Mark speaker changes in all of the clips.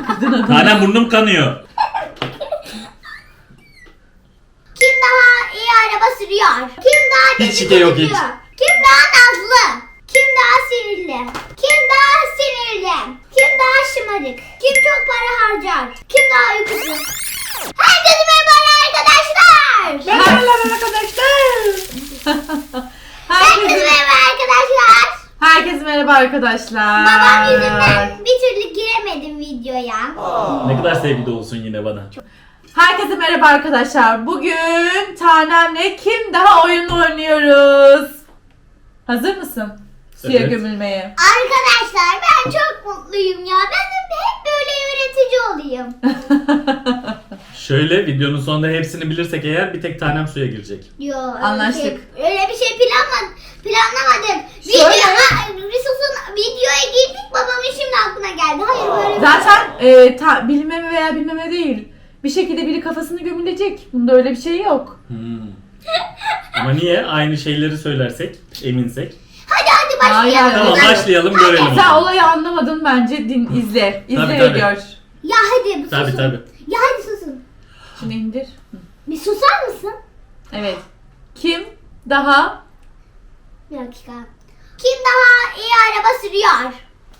Speaker 1: Kızın adı
Speaker 2: Tanem burnum kanıyor.
Speaker 3: Kim daha iyi araba sürüyor? Kim daha
Speaker 2: Hiç şike yok, hiç.
Speaker 3: Kim daha nazlı? Kim daha sinirli? Kim daha sinirli? Kim daha şımarık? Kim çok para harcar? Kim daha uykusuz? Herkese merhaba arkadaşlar.
Speaker 1: Merhaba arkadaşlar.
Speaker 3: Herkese merhaba arkadaşlar.
Speaker 1: Herkese merhaba arkadaşlar.
Speaker 3: Babam yüzünden bir türlü giremedim videoya.
Speaker 2: Ne kadar sevgi dolusun yine bana.
Speaker 1: Herkese merhaba arkadaşlar. Bugün Tanem'le kim daha oyun oynuyoruz. Hazır mısın? Suya
Speaker 2: Evet.
Speaker 1: gömülmeye.
Speaker 3: Arkadaşlar ben çok mutluyum ya. Ben de hep böyle öğretici olayım.
Speaker 2: Şöyle videonun sonunda hepsini bilirsek eğer bir tek tanem suya girecek.
Speaker 3: Yo,
Speaker 1: Anlaştık.
Speaker 3: Öyle bir şey planlamadık.
Speaker 1: Şöyle.
Speaker 3: Videoya girdik, babamın şimdi aklına geldi. Hayır böyle bir
Speaker 1: Zaten bilmeme veya bilmeme değil. Bir şekilde biri kafasını gömülecek. Bunda öyle bir şey yok.
Speaker 2: Ama niye? Aynı şeyleri söylersek, eminsek.
Speaker 3: Hadi başlayalım.
Speaker 1: Hayır.
Speaker 2: Tamam başlayalım görelim. o
Speaker 1: Sen
Speaker 2: zaman.
Speaker 1: olayı anlamadın bence izle. İzle
Speaker 2: Tabii,
Speaker 1: ve
Speaker 2: tabii.
Speaker 1: gör.
Speaker 3: Ya hadi susun.
Speaker 2: Tabii.
Speaker 3: Ya hadi susun.
Speaker 1: Şimdi indir.
Speaker 3: Bir susar mısın?
Speaker 1: Evet. Kim daha
Speaker 3: Bir dakika. Kim daha iyi araba sürüyor?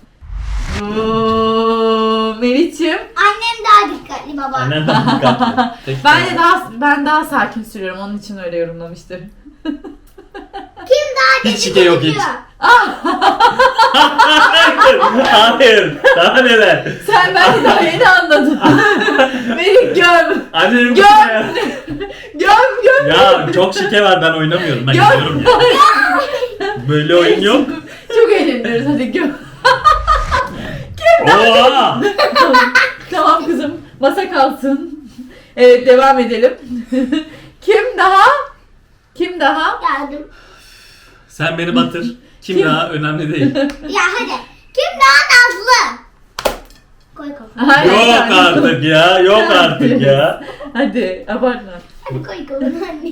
Speaker 1: Melih'ciğim.
Speaker 3: Annem daha dikkatli baba.
Speaker 2: Annen daha dikkatli. Peki,
Speaker 1: Ben daha sakin sürüyorum. Onun için öyle yorumlamıştır.
Speaker 3: Kim daha
Speaker 2: Hiç şike yok, hiç.
Speaker 3: dedikoducu?
Speaker 2: Hayır. Daha neler?
Speaker 1: Sen belki daha yeni anladın. Melih göm.
Speaker 2: Annenin
Speaker 1: Göm.
Speaker 2: ya.
Speaker 1: Göm.
Speaker 2: Ya çok şike var, ben oynamıyorum. Ben
Speaker 1: Göm.
Speaker 2: gidiyorum ya. Böyle oyun yok.
Speaker 1: Çok eğleniyoruz, hadi göm.
Speaker 2: Oha!
Speaker 1: Tamam kızım, masa kalsın. Evet, devam edelim. Kim daha?
Speaker 3: Geldim.
Speaker 2: Sen beni batır. Kim daha önemli değil.
Speaker 3: Ya hadi. Kim daha nazlı? Koy kafana.
Speaker 1: Hayır,
Speaker 2: Yok
Speaker 1: hayır.
Speaker 2: artık ya. Yok artık ya.
Speaker 1: Hadi, abartma.
Speaker 3: Hadi koy kafana anne.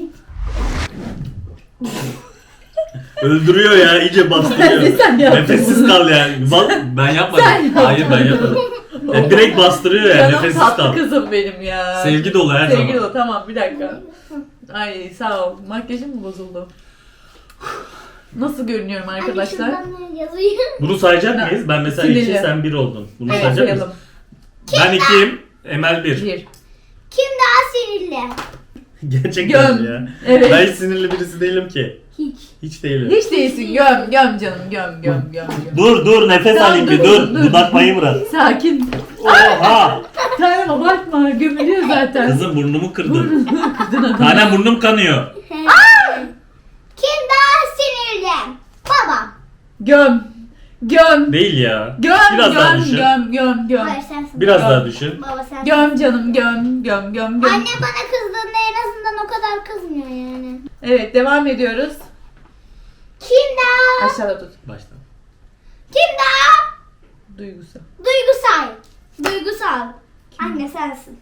Speaker 2: Öldürüyor ya. İyice bastırıyor.
Speaker 1: Sen yaptın
Speaker 2: Nefessiz
Speaker 1: bunu.
Speaker 2: kal yani. Ben yapmadım.
Speaker 1: Sen yaptın.
Speaker 2: Hayır ben yapmadım. Ya direkt bastırıyor ya.
Speaker 1: Canım
Speaker 2: Nefessiz
Speaker 1: tatlı
Speaker 2: kal.
Speaker 1: kızım benim ya.
Speaker 2: Sevgi dolu her
Speaker 1: Sevgi
Speaker 2: zaman.
Speaker 1: dolu, tamam bir dakika. Ay sağ ol. Makyajım mı bozuldu? Nasıl görünüyorum arkadaşlar?
Speaker 3: Anne şuradan yazayım.
Speaker 2: Bunu sayacak mıyız? Ben mesela
Speaker 1: Sinirli.
Speaker 2: 2, sen 1 oldun. Bunu
Speaker 1: Evet,
Speaker 2: sayacak mıyız?
Speaker 1: sayalım.
Speaker 2: Ben 2'yim. Emel 1.
Speaker 1: Bir.
Speaker 3: Kim daha sinirli?
Speaker 2: Gerçekten
Speaker 1: Göm.
Speaker 2: ya.
Speaker 1: Evet.
Speaker 2: Ben hiç sinirli birisi değilim ki.
Speaker 3: Hiç.
Speaker 2: Hiç değilim.
Speaker 1: Hiç değilsin. Göm canım. Göm.
Speaker 2: Dur nefes
Speaker 1: Tamam,
Speaker 2: alayım bir
Speaker 1: dur.
Speaker 2: dur. Dudak payı bırak.
Speaker 1: Sakin.
Speaker 2: Oha!
Speaker 1: Tanem abartma. Gömülüyor zaten.
Speaker 2: Kızım burnumu kırdın.
Speaker 1: Kırdın adamı.
Speaker 2: Tanem burnum kanıyor.
Speaker 3: Kim daha sinirli? Babam.
Speaker 1: Göm.
Speaker 2: Değil ya.
Speaker 1: Göm.
Speaker 2: Biraz daha düşün.
Speaker 1: Göm.
Speaker 3: Hayır sensin.
Speaker 2: Biraz daha düşün.
Speaker 3: Baba sen.
Speaker 1: Göm canım. Göm.
Speaker 3: Anne bana kızdığında en azından o kadar kızmıyor yani.
Speaker 1: Evet, devam ediyoruz.
Speaker 3: Kim daha?
Speaker 1: Aşağıda tut.
Speaker 2: Baştan.
Speaker 3: Kim daha?
Speaker 1: Duygusal.
Speaker 3: Duygusal. Anne sensin.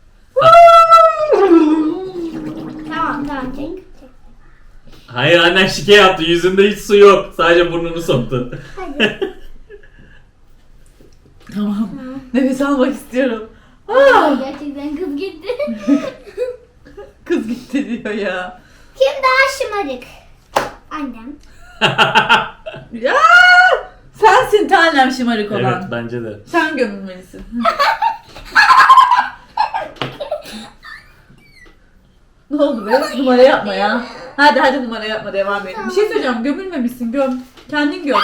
Speaker 3: Tamam çek.
Speaker 2: Hayır annen şike yaptı. Yüzünde hiç su yok. Sadece burnunu soktu.
Speaker 3: Hadi.
Speaker 1: Tamam. Nefes almak istiyorum.
Speaker 3: Gerçekten kız gitti.
Speaker 1: Kız gitti diyor ya.
Speaker 3: Kim daha şımarık? Annem.
Speaker 1: Ya! Sensin tanem şımarık olan.
Speaker 2: Evet bence de.
Speaker 1: Sen gömülmelisin. Ne oldu be? Numara yapma ya. Hadi numara yapma, devam edelim. Bir şey söyleyeceğim, gömülmemişsin, göm. Kendin göm.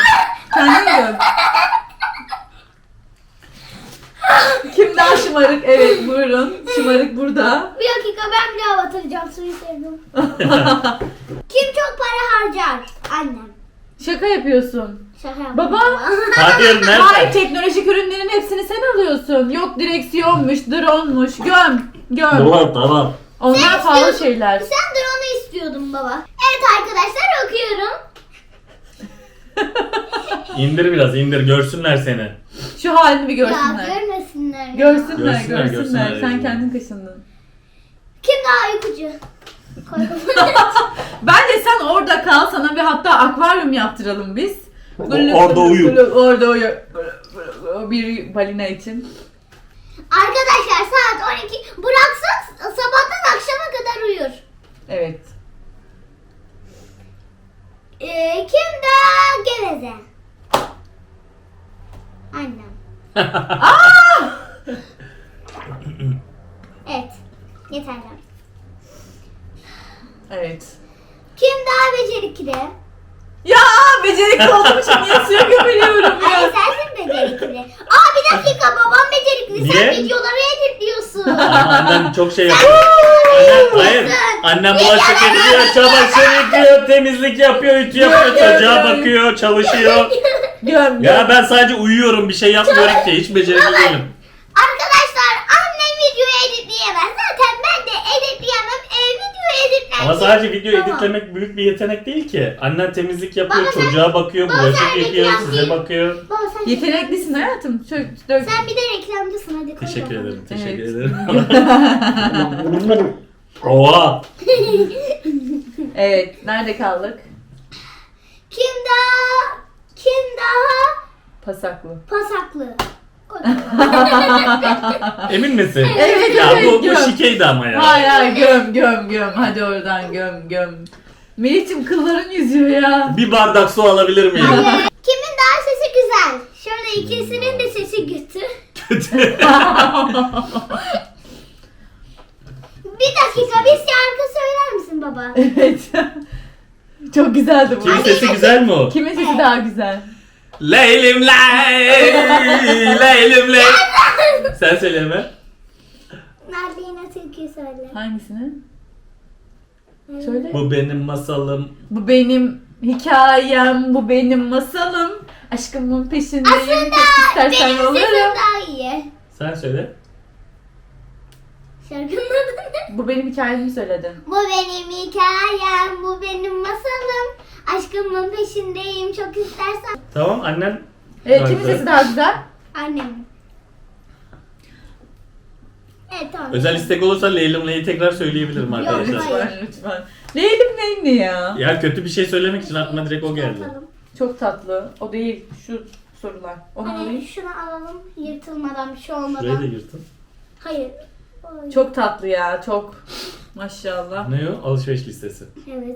Speaker 1: Kim daha şımarık? Evet buyurun. Şımarık burada.
Speaker 3: Bir dakika ben bir daha batıracağım suyu sevdim. Kim çok para harcar? Annem.
Speaker 1: Şaka yapıyorsun.
Speaker 3: Şaka yaptım.
Speaker 1: Baba.
Speaker 2: Hayır nerede?
Speaker 1: Hayır, teknolojik ürünlerin hepsini sen alıyorsun. Yok direksiyonmuş, drone'muş. Göm.
Speaker 2: Tamam.
Speaker 1: Onlar pahalı şeyler.
Speaker 3: Sen drone'u istiyordun baba. Evet arkadaşlar okuyorum.
Speaker 2: İndir biraz indir. Görsünler seni.
Speaker 1: Şu halini bir
Speaker 3: Ya
Speaker 1: görsünler.
Speaker 3: görmesinler. ya.
Speaker 1: Görsünler.
Speaker 2: Görsünler.
Speaker 1: Sen kendin kaşındın.
Speaker 3: Kim daha uykucu? Koy kafana.
Speaker 1: Bence sen orada kal, sana bir hatta akvaryum yaptıralım biz.
Speaker 2: Orada uyu.
Speaker 1: Orada uyu. Bir balina için.
Speaker 3: Arkadaşlar saat 12. Bıraksak sabahtan akşama kadar uyur.
Speaker 1: Evet.
Speaker 3: Kim daha geveze? Annem. Evet. Yeter.
Speaker 1: Evet.
Speaker 3: Kim daha becerikli?
Speaker 1: Ya becerikli olduğum için niye suya gömülüyorum
Speaker 3: Ay
Speaker 1: ya?
Speaker 3: sensin becerikli. Bir dakika babam becerikli. Sen
Speaker 2: Niye?
Speaker 3: videoları editliyorsun.
Speaker 2: Ama annem çok şey yapıyor. Hayır. Annem bulaşık ediyor, çamaşır yıkıyor, temizlik yapıyor, ütü yapıyor, çocuğa bakıyor, çalışıyor.
Speaker 1: Göm.
Speaker 2: Ya ben sadece uyuyorum, bir şey yapmıyorum ki. Hiç becerikli değilim.
Speaker 3: Arkadaşlar annem videoyu editleyemez. Zaten ben de editleyemem. Video editler.
Speaker 2: Ama sadece video
Speaker 3: Tamam.
Speaker 2: editlemek büyük bir yetenek değil ki. Annen temizlik yapıyor,
Speaker 3: Baba sen-
Speaker 2: çocuğa bakıyor,
Speaker 3: Baba
Speaker 2: bulaşık
Speaker 3: sen
Speaker 2: yıkıyor,
Speaker 3: reklam
Speaker 2: size
Speaker 3: değil.
Speaker 2: bakıyor.
Speaker 3: Baba sen
Speaker 1: Yeteneklisin hayatım. Çok,
Speaker 3: Sen bir de reklamcısın hadi koy
Speaker 2: Teşekkür
Speaker 3: bakalım.
Speaker 2: ederim, teşekkür
Speaker 1: Evet.
Speaker 2: ederim. Oha!
Speaker 1: Evet. Nerede kaldık?
Speaker 3: Kim daha
Speaker 1: Pasaklı.
Speaker 3: pasaklı?
Speaker 2: Emin misin?
Speaker 1: Evet,
Speaker 2: Ya
Speaker 1: evet,
Speaker 2: bu
Speaker 1: göm.
Speaker 2: şikeydi ama ya.
Speaker 1: Hayır hayır göm. Hadi oradan göm. Melih'cim kılların yüzüyor ya.
Speaker 2: Bir bardak su alabilir miyim?
Speaker 3: Kimin daha sesi güzel? Şöyle ikisinin de sesi kötü.
Speaker 2: Kötü.
Speaker 3: Bir dakika bir şarkı söyler misin baba?
Speaker 1: Evet. Çok güzeldi bu.
Speaker 2: Kimin sesi güzel mi o?
Speaker 1: Kimin sesi daha güzel?
Speaker 2: Leylim ley, leylim ley. Sen söyleme.
Speaker 3: Nerede yine türkü söyle.
Speaker 1: Hangisini? Söyle.
Speaker 2: Bu benim masalım.
Speaker 1: Bu benim hikayem, bu benim masalım. Aşkımın peşindeyim.
Speaker 3: Aslında
Speaker 1: Çok istersen
Speaker 3: benim sesim
Speaker 1: olurum.
Speaker 3: daha iyi.
Speaker 2: Sen söyle.
Speaker 3: Şarkının adı ne?
Speaker 1: Bu benim hikayemi söyledin.
Speaker 3: Bu benim hikayem, bu benim masalım. Aşkımın peşindeyim çok istersen.
Speaker 2: Tamam annen.
Speaker 1: Evet,
Speaker 2: Daha
Speaker 1: kimin
Speaker 2: güzel.
Speaker 1: sesi daha güzel?
Speaker 3: Annem. Evet tamam.
Speaker 2: Özel istek olursa Leylim Ley'i tekrar söyleyebilirim arkadaşlar.
Speaker 3: hayır.
Speaker 1: Lütfen. Leylim neyim ne ya?
Speaker 2: Ya kötü bir şey söylemek için aklıma direkt o geldi.
Speaker 3: Yapalım.
Speaker 1: Çok tatlı. O değil, şu sorular. Onu
Speaker 3: Hani
Speaker 1: alayım.
Speaker 3: şunu alalım yırtılmadan bir şey
Speaker 2: Şurayı da
Speaker 3: olmadan.
Speaker 2: yırtın.
Speaker 3: Hayır. Oy.
Speaker 1: Çok tatlı ya, çok. Maşallah.
Speaker 2: Ne o? Alışveriş listesi.
Speaker 3: Evet.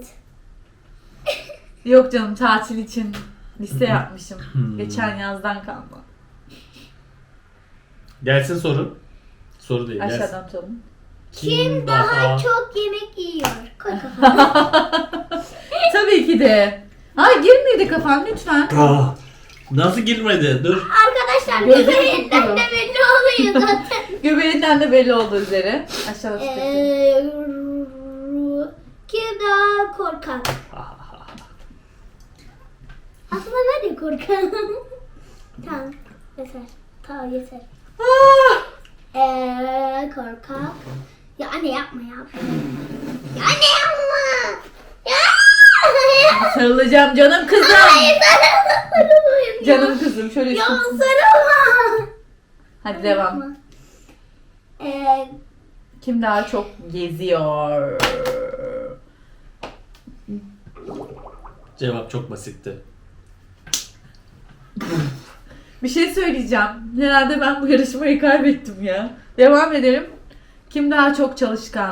Speaker 1: Yok canım, tatil için liste yapmışım. Geçen yazdan kalma.
Speaker 2: Gelsin soru. Soru değil. Gelsin.
Speaker 1: Aşağıdan tutalım.
Speaker 3: Kim daha çok yemek yiyor? Koy kafana.
Speaker 1: Tabii ki de. Ha girmedi kafan lütfen.
Speaker 2: Ah, nasıl girmedi? Dur.
Speaker 3: Arkadaşlar
Speaker 1: Gözüm
Speaker 3: göbeğinden
Speaker 1: tuttu.
Speaker 3: de belli oluyor zaten.
Speaker 1: Göbeğinden de belli olduğu üzere. Aşağıda tutalım.
Speaker 3: Kim daha korkak? Aslında ben de korkak. Tamam. Yeter. Tamam yeter. Korkak. Ya anne yapma ya. Ya anne yapma. Ya.
Speaker 1: Sarılacağım canım kızım.
Speaker 3: Hayır sarılmayayım.
Speaker 1: Canım kızım şöyle
Speaker 3: Ya
Speaker 1: üstüm.
Speaker 3: sarılma.
Speaker 1: Hadi devam. Kim daha çok geziyor?
Speaker 2: Cevap çok basitti.
Speaker 1: Bir şey söyleyeceğim. Herhalde ben bu yarışmayı kaybettim ya. Devam edelim. Kim daha çok çalışkan?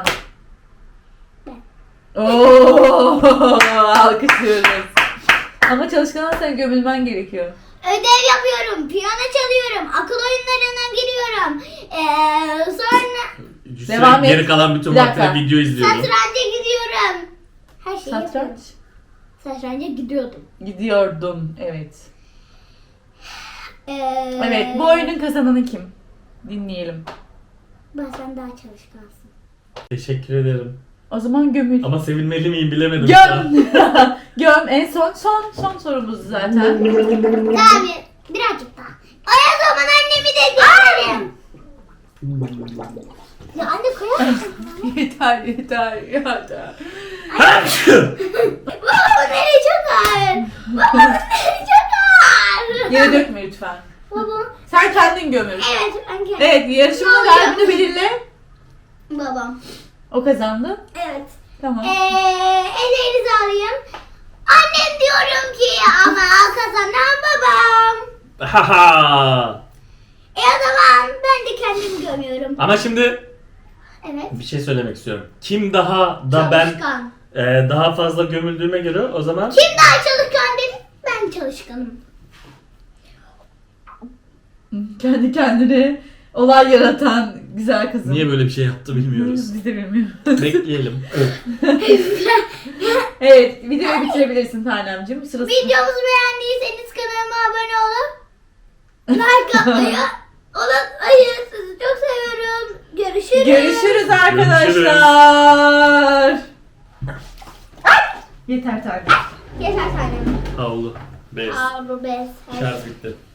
Speaker 1: Oo, alkışlıyoruz. Ama çalışkan olsan gömülmen gerekiyor.
Speaker 3: Ödev yapıyorum, piyano çalıyorum, akıl oyunlarına giriyorum. Sonra
Speaker 1: Devam et.
Speaker 2: Geri kalan bütün
Speaker 1: Bir dakika.
Speaker 2: vaktinde video izliyorum.
Speaker 3: satranca gidiyorum. Her şeyi yapıyorum.
Speaker 1: Satranç.
Speaker 3: Satranca gidiyordum.
Speaker 1: Gidiyordum. Evet.
Speaker 3: Ee,
Speaker 1: Evet. Bu oyunun kazananı kim? Dinleyelim.
Speaker 3: Sen daha çalışkansın.
Speaker 2: Teşekkür ederim.
Speaker 1: O zaman gömül.
Speaker 2: Ama sevilmeli miyim bilemedim. şu an.
Speaker 1: Göm. Göm. En son sorumuz zaten.
Speaker 3: Daha birazcık daha. O zaman annemi de görelim. Ya anne koyar mısın?
Speaker 1: yeter.
Speaker 3: Baba nereye çok ağır. Baba nereye çok ağır.
Speaker 1: Yere dökme lütfen.
Speaker 3: Baba.
Speaker 1: Sen kendin gömül.
Speaker 3: Evet ben kendim.
Speaker 1: Evet, yarışmanın galibini belirle.
Speaker 3: Babam.
Speaker 1: O kazandı.
Speaker 3: Evet.
Speaker 1: Tamam.
Speaker 3: Ellerinizi alayım. Annem diyorum ki ama kazanan babam.
Speaker 2: Haha.
Speaker 3: O zaman ben de kendim çıkamıyorum.
Speaker 2: Ama şimdi
Speaker 3: Evet.
Speaker 2: bir şey söylemek istiyorum. Kim daha da ben
Speaker 3: Çalışkan.
Speaker 2: daha fazla gömüldüğüme göre o zaman
Speaker 3: Kim daha çalışkan dedi? Ben çalışkanım.
Speaker 1: Kendi kendine olay yaratan güzel kızım.
Speaker 2: niye böyle bir şey yaptı bilmiyoruz.
Speaker 1: Biz de bilmiyoruz.
Speaker 2: Bekleyelim.
Speaker 1: Evet, videoyu bitirebilirsin Tanemciğim. Sırası.
Speaker 3: Videomuzu beğendiyseniz kanalıma abone olun. Like atmayı unutmayın. Sizi çok seviyorum. Görüşürüz.
Speaker 1: Görüşürüz arkadaşlar. Ay! Yeter Tanem.
Speaker 3: Yeter tanem.
Speaker 2: Havlu. Bez.
Speaker 3: Ağır bez.
Speaker 2: Şarj bitti.